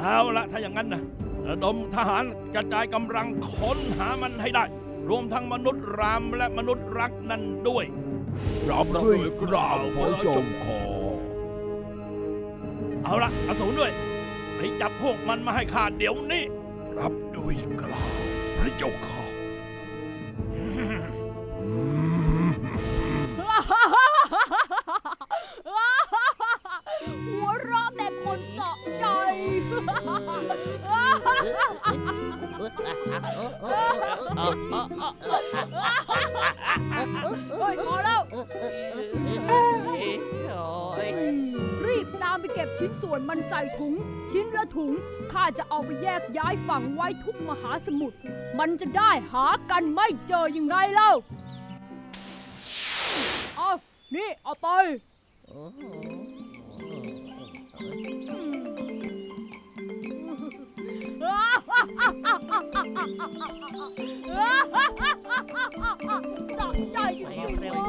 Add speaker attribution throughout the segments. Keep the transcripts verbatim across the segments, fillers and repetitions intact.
Speaker 1: เอาละถ้าอย่างนั้นนะระดมทหารกระจายกำลังค้นหามันให้ได้รวมทั้งมนุษย์รามและมนุษย์รักนั่นด้วยรับด้วยกล่าวพระเจ้าขอเอาละอสูรด้วยไปจับพวกมันมาให้ข้าเดี๋ยวนี้รับด้วยกล่าวพระเจ้าขอ
Speaker 2: หัวเราะแบบคนสะใจเฮ้ยพอแล้วรีบตามไปเก็บชิ้นส่วนมันใส่ถุงชิ้นละถุงข้าจะเอาไปแยกย้ายฝังไว้ทุกมหาสมุทรมันจะได้หากันไม่เจอยังไงเล่าเอานี่เอาไปสักใจจริงๆเลย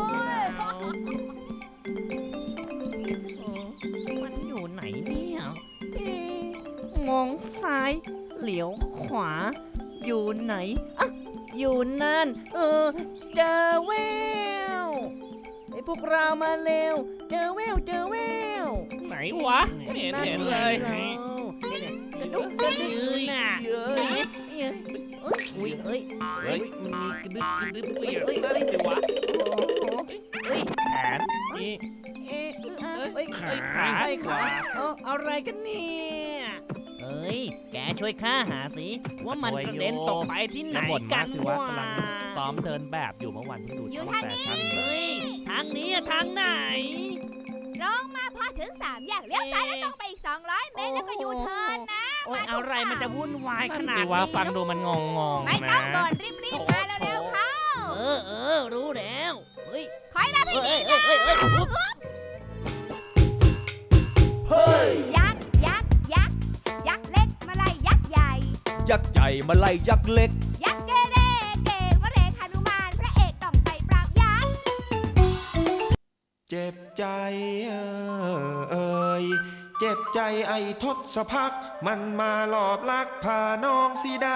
Speaker 3: มันอยู่ไหนเนี่ยมองซ้ายเหลียวขวาอยู่ไหนอ่ะอยู่นั่นเออเจอแววไอ้พวกเรามาเร็วเจอแววเจอแวว
Speaker 4: ไหนวะไม่เห็นเห็นเลย
Speaker 3: กระดุกกระดิกน่ะเอ้ยอุ้ยเอ้ย
Speaker 4: เฮ้ยมันมีกระดึ๊บกระดึ๊บด้วยเฮ้ยอะไรวะ
Speaker 3: โอ้โหเฮ้ย
Speaker 4: แขนนี่
Speaker 3: เอ๊ะเอ้ย
Speaker 4: ขา
Speaker 3: ขาขาเอออะไรกันเนี่ยเอ้ยแกช่วยข้าหาสิว่ามันกระเด็นตกไปที่ไหนกันวะ
Speaker 4: ซ้อมเดินแบบอยู่เมื่อวันที่ดู
Speaker 2: อยู่
Speaker 4: ช่อง
Speaker 2: ทาง
Speaker 4: แฟ
Speaker 2: นี้
Speaker 4: ชั่น
Speaker 3: เฮ้ยทางนี้อะทางไหน
Speaker 2: ตรงมาพอถึงสามแยกเลี้ยวซ้ายแล้วตรงไปอีกสองร้อยเมตรแล้วก็ยูเทิร์นนะ
Speaker 3: โอ้ยอะไรมันจะวุ่นวายขนาด
Speaker 4: ที่
Speaker 3: นี้
Speaker 4: ว่าฟังดูมันงงงง
Speaker 2: ไม่
Speaker 4: นะ
Speaker 2: ต้องบ่นรีบๆมาเร็วๆเข้า
Speaker 3: เออเออรู้แล้วเฮ้ย
Speaker 2: คอยรับให้
Speaker 3: เอ้
Speaker 2: ดี
Speaker 3: ยเอ้ยเอ้ยเอ้ยปุ๊บ
Speaker 2: ยักษ์ยักษ์ยักษ์ยักษ์เล็กมาไล่ยักษ์ใหญ่
Speaker 5: ยักษ์ใหญ่มาไล่ยักษ์เล็ก
Speaker 2: ยักษ์เกเรเกวเรหนุมานพระเอกต้องไปปราบยักษ์
Speaker 6: เจ็บใจเอ่ยเจ็บใจไอ้ทศพักมันมาหลอบลักพาน้องสีดา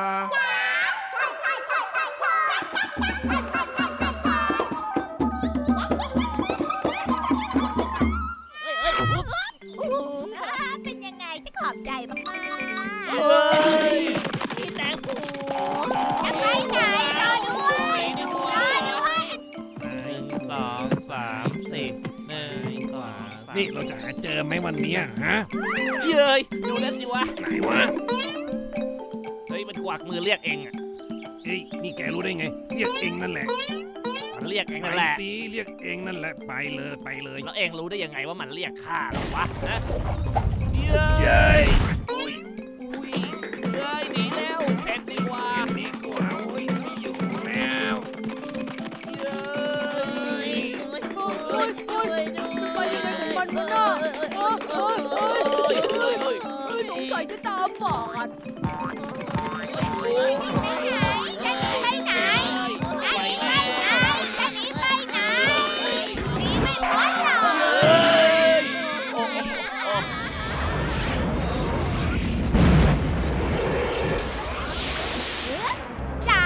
Speaker 2: เป็นยังไงจะขอบใจมากๆ
Speaker 3: เฮ้ยนี่แตงโม
Speaker 2: จะไปไหนรอด้วยรอด้วย
Speaker 4: หนึ่งสองสามสี่หนึ่งสองสาม
Speaker 1: นี่เราจะหาเจอไหมวันนี้ฮะ
Speaker 4: เย้ยดูนั่นสิวะ
Speaker 1: ไหนวะ
Speaker 4: เฮ้ยมันกวักมือเรียกเองอ่ะ
Speaker 1: เฮ้ยนี่แกรู้ได้ไงเรียกเองนั่นแหละ
Speaker 4: มันเรียกเอง
Speaker 1: ไป
Speaker 4: นั่นแหละ
Speaker 1: สิเรียกเองนั่นแหละไปเลยไปเลย
Speaker 4: แล้วเองรู้ได้ยังไงว่ามันเรียกข้าหรอวะนะ
Speaker 1: เย้ย
Speaker 4: อุ้ยอุ้ยเย้ยหนีแล้วแผ่นดีกว่า
Speaker 1: เกมนี้กว่าโอ้ยไม่อยู่แล้ว
Speaker 4: เย้ย
Speaker 3: โอ้ยโอ้ยไปยังไงของมันวะน่ะโอ้ยโอ้ยโอ้ย
Speaker 4: เฮ้ยเฮ้ยเฮ้ย
Speaker 2: สงสัยจะตาฝาด
Speaker 4: โอ้ย
Speaker 2: จะหนีไปไหนจะหนีไปไหนจะหนีไปไหนหนีไม่พ้นหรอกจ๋า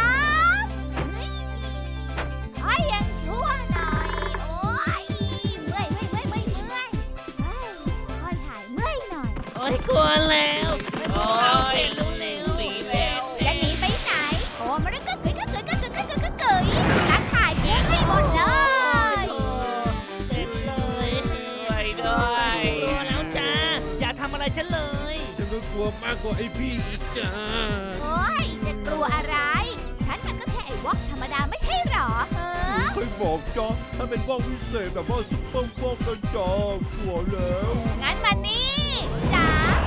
Speaker 2: ขอยังชั่วหน่อยโอ้ยเมื่อยเมื่อยเมื่อยเมื่อยเมื่อยเฮ้ยคอยถ่ายเมื่อยหน่อย
Speaker 3: โอ้ยกลัวแล้วโอ้ยรู้เร็ว
Speaker 4: หนีแล้ว
Speaker 2: จะหนีไปไหนโอ้มันก็เกยก็เกยก็เกยก็เกยก็เกยทักถ่ายเพื่อนให้หมดเลย
Speaker 3: เสร็จเลย
Speaker 4: ไปด้วย
Speaker 3: กลัวแล้วจ้าอย่าทำอะไรฉันเลย
Speaker 1: ฉันก็กลัวมากกว่าไอ้พี่อีกจ้า
Speaker 2: โอ้ยจะกลัวอะไร ฉันมันก็แค่ไอ้วอกธรรมดาไม่ใช่หรอเออ
Speaker 1: เคยบอกจ้าถ้าเป็นว่องพิเศษแบบว่าซุปเปอร์ว่องกันจ้ากลัวแล้ว
Speaker 2: งั้นมานี่จ๋า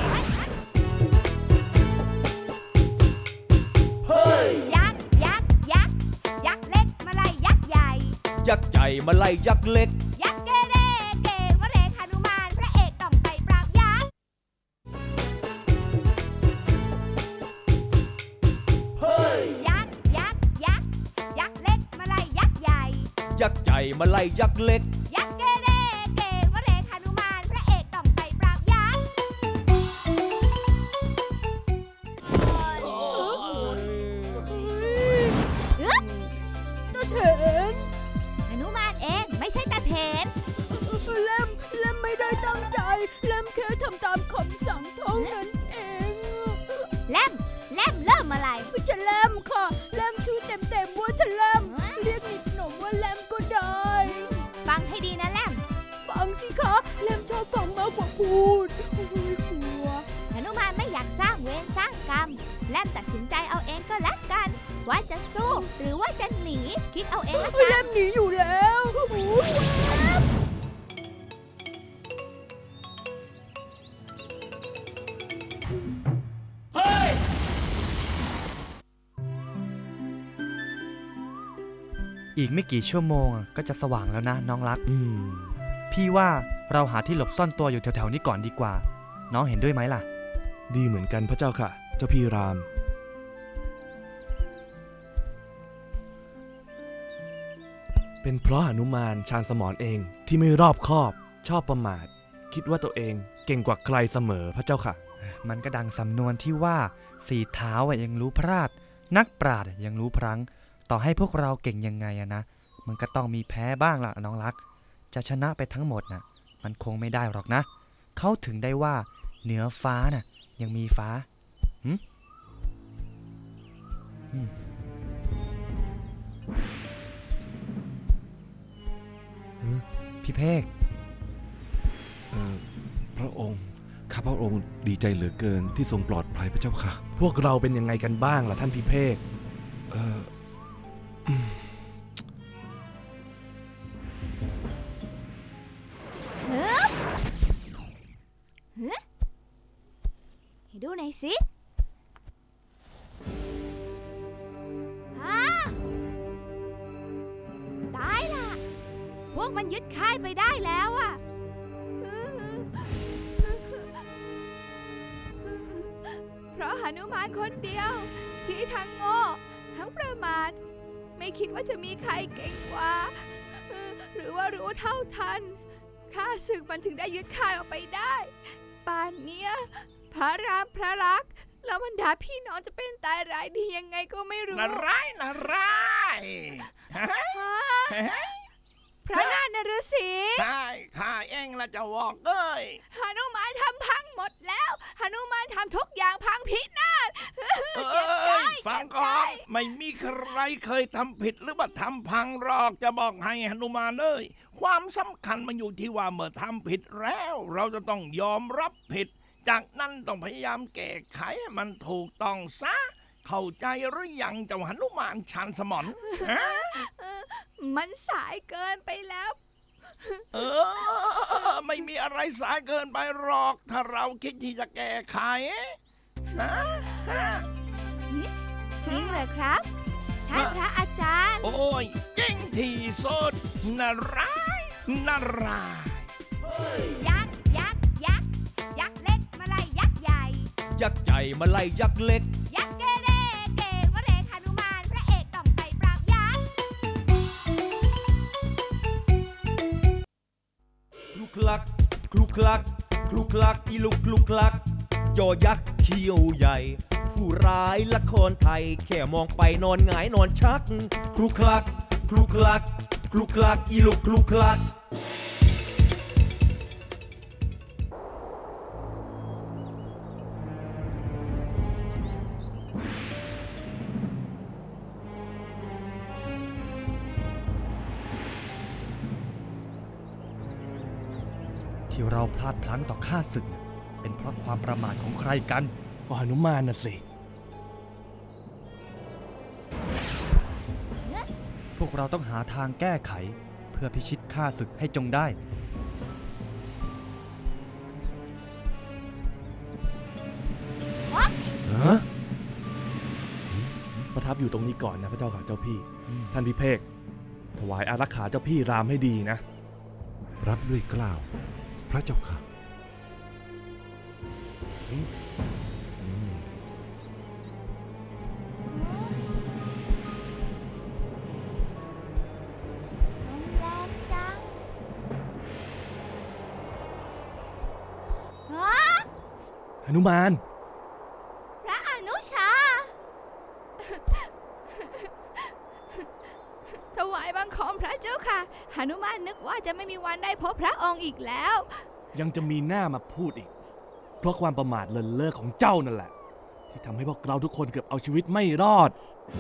Speaker 2: ยักษ์ยักษ์ยักษ์ยักษ์เล็กมาไล่ยักษ์ใหญ่
Speaker 5: ยักษ์ใหญ่มาไล่ยักษ์เล็ก
Speaker 2: ยักษ์เกเรเกวเรหนุมานพระเอกต้องไปปราบยักษ์ ยักษ์ยักษ์ยักษ์ยักษ์เล็กมาไล่ยักษ์ใหญ่
Speaker 5: ยักษ์ใหญ่มาไล่ยักษ์เล็ก
Speaker 2: ยักษ์เกเรเกวเรหนุมานพระเอกต้องไปปราบยักษ์
Speaker 7: มตัดสินใจเอาเองก็แล้วกัน ว่าจะสู้หรือว่าจะหนี คิดเอาเองละ
Speaker 2: พี่
Speaker 7: กั
Speaker 2: แร
Speaker 7: น
Speaker 2: มหนีอยู่แล้วอุ๊ย
Speaker 8: อีกไม่กี่ชั่วโมงอะก็จะสว่างแล้วนะน้องรัก
Speaker 9: อืม
Speaker 8: พี่ว่าเราหาที่หลบซ่อนตัวอยู่แถวๆนี้ก่อนดีกว่า น้องเห็นด้วยไหมล่ะ
Speaker 9: ดีเหมือนกันพระเจ้าค่ะ เจ้าพี่ราม เป็นเพราะหนุมานชาญสมรเองที่ไม่รอบคอบชอบประมาท คิดว่าตัวเองเก่งกว่าใครเสมอพระเจ้าค่ะ
Speaker 8: มันก็ดังสำนวนที่ว่าสี่เท้าอะยังรู้พลาด นักปราชญ์อะยังรู้พลั้ง ต่อให้พวกเราเก่งยังไงอะนะ มันก็ต้องมีแพ้บ้างล่ะน้องรัก จะชนะไปทั้งหมดน่ะ มันคงไม่ได้หรอกนะ เขาถึงได้ว่าเหนือฟ้าน่ะยังมีฟ้าหึอืมหึพี่เพก
Speaker 10: เอ่อพระองค์ข้าพระองค์ดีใจเหลือเกินที่ทรงปลอดภัยพระเจ้าค่ะ
Speaker 9: พวกเราเป็นยังไงกันบ้างล่ะท่านพิเภก
Speaker 10: เอ่ออืม
Speaker 7: ให้ดูหน่อยสิฮะตายล่ะ พวกมันยึดค่ายไปได้แล้วอะเพราะหนุมานคนเดียวที่ทั้งโง่ทั้งประมาท ไม่คิดว่าจะมีใครเก่งกว่า หรือว่ารู้เท่าทันข้าศึกมันถึงได้ยึดค่ายออกไปได้ป่านเนี้ยพระรามพระลักษมณ์แล้วบรรดาพี่น้องจะเป็นตายร้ายดียังไงก็ไม่รู้
Speaker 1: น่าร้ายน่าร้ายฮะ
Speaker 7: ฮะพระนารฤาษี
Speaker 1: ใช่ข้าเองละจะบอกเอ้ย
Speaker 7: หนุมานทำพังหมดแล้วหนุมานทำทุกอย่างพังพินาศ
Speaker 1: เอ้ยฟังก่อนไม่มีใครเคยทำผิดหรือว่าทำพังหรอกจะบอกให้หนุมานเอ้ยความสำคัญมันอยู่ที่ว่าเมื่อทำผิดแล้ว เราจะต้องยอมรับผิด จากนั้นต้องพยายามแก้ไขให้มันถูกต้องซะเข้าใจหรือยังเจ้าหนุมานชาญสมรฮะ
Speaker 7: มันสายเกินไปแล้ว
Speaker 1: เออไม่มีอะไรสายเกินไปหรอกถ้าเราคิดที่จะแก้ไขนะ
Speaker 7: จริงเหรอครับท่านพระอาจารย์
Speaker 1: โอ้ยจริงที่สุดน่าร้ายน่าร้าย
Speaker 7: ยักษ์ยักษ์ยักษ์ยักษ์เล็กมาไล่ยักษ์ใหญ่
Speaker 5: ยักษ์ใหญ่มาไล่ยักษ์เล็ก
Speaker 7: ยักษ์เกเรเกวเรหนุมานพระเอกต้องไปปราบยักษ์
Speaker 5: คลุกคลัก คลุกคลัก คลุกคลัก อีลุกคลุกคลัก จอยักษ์เขี้ยวใหญ่ ผู้ร้ายละครไทย แค่มองไปนอนหงายนอนชัก คลุกคลัก คลุกคลัก คลุกคลัก อีลุกคลุกคลัก
Speaker 8: ที่เราพลาดพลั้งต่อข้าศึก เป็นเพราะความประมาทของใครกัน
Speaker 9: ก็หนุมานน่ะสิ
Speaker 8: พวกเราต้องหาทางแก้ไข เพื่อพิชิตข้าศึกให้จงได้
Speaker 9: ฮะ ประทับอยู่ตรงนี้ก่อนนะพระเจ้าค่ะเจ้าพี่ ท่านพิเภกถวายอารักขาเจ้าพี่รามให้ดีนะ
Speaker 10: รับด้วยเกล้าวพระเจ้าค่ะ
Speaker 9: อืม
Speaker 7: แรงจังฮะ
Speaker 9: หนุมาน
Speaker 7: พระอนุชา ถวายบังคมพระเจ้าค่ะหนุมานนึกว่าจะไม่มีวันได้พบพระองค์อีกแล้ว
Speaker 9: ยังจะมีหน้ามาพูดอีก เพราะความประมาทเลินเล่อของเจ้านั่นแหละ ที่ทำให้พวกเราทุกคนเกือบเอาชีวิตไม่รอด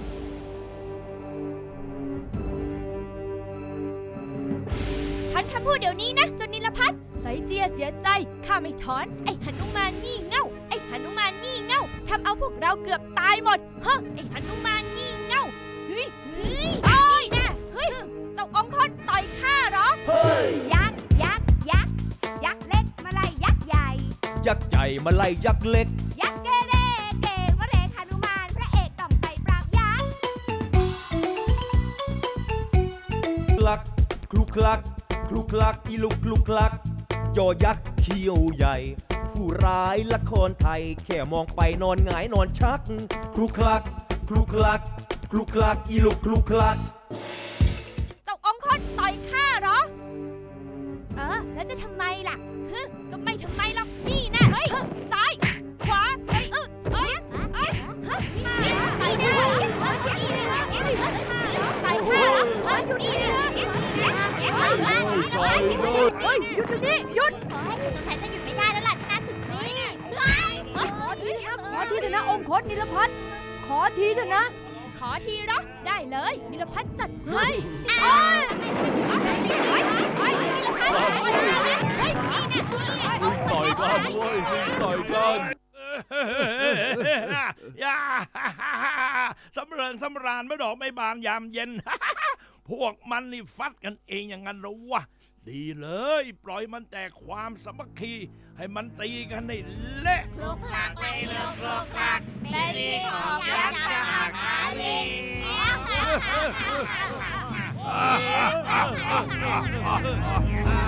Speaker 2: ท่านคำพูดเดี๋ยวนี้นะเจ้านิลพัฒน์ไสเจียเสียใจข้าไม่ถอนไอ้หนุมานงี่เง่าไอ้หนุมานงี่เง่าท
Speaker 11: ทำเอาพวกเราเกือบตายหมดเฮ้ไอ้หนุมานงี่เง่าเฮ้ยเฮ้ยโอ้ยนะเฮ้ยเจ้าองคตต่อยข้าเหรอ
Speaker 7: ยักษ์ยักษ์ยักษ์ยักษ์เล็กมาไล่ยักษ์ใหญ่
Speaker 5: ยักษ์ใหญ่มาไล่ยักษ์เล็ก
Speaker 7: ยักษ์เกเรเกวเรหนุมานพระเอกต้องไปปราบยักษ์
Speaker 5: คลักคลุกคลักคลุกคลักอีลุกคลุกคลักยอยักษ์เขี้ยวใหญ่ ผู้ร้ายละครไทยแค่มองไปนอนหงายนอนชักคลุกคลักคลุกคลักคลุกคลักอีลุกคลุกคลัก
Speaker 11: เจ้าองคตต่อยข้าเหรอ เออ แล้วจะทำไมล่ะฮึก็ไม่ทำไมหรอก นี่นะเฮ้ยซ้าย ขวา เฮ้ยเอ้ยเอ้ยเอ้ยฮะนี่ต่อยข้าเหรอต่อยข้าเหรอต่อยข้าเหรอเฮ้ยหยุดนี่นะเฮ้ยหยุดเดี๋ยวนี้หยุด
Speaker 7: สงสัยจะหยุดไม่ได้แล้วล่ะชนะสุดนี่
Speaker 2: ขอทีนะขอทีเถอะนะองคตนิลพัฒน์ขอทีเถอะนะ
Speaker 11: ขอทีเหรอ ได้เลยนิรพัฒน์จัดให้
Speaker 7: เอ้ยเฮ้ยเฮ้ยนี่ละพันเฮ้ยนี่นะนี่นะ
Speaker 9: ต่อยกันเว้ยต่อยกัน
Speaker 1: อย่าสำเริญสำราญไม่ดอกไม่บานยามเย็น พวกมันนี่ฟัดกันเองอย่างนั้นเหรอวะ ดีเลย ปล่อยมันแต่ความสามัคคี ให้มันตีกันให้เละ
Speaker 7: คลุกคลักเลยเลิกคลุกคลัก
Speaker 11: และนี่ของยักษ์จะหักอาลี
Speaker 1: ฮ่าฮ่าฮ่าฮ่าฮ่า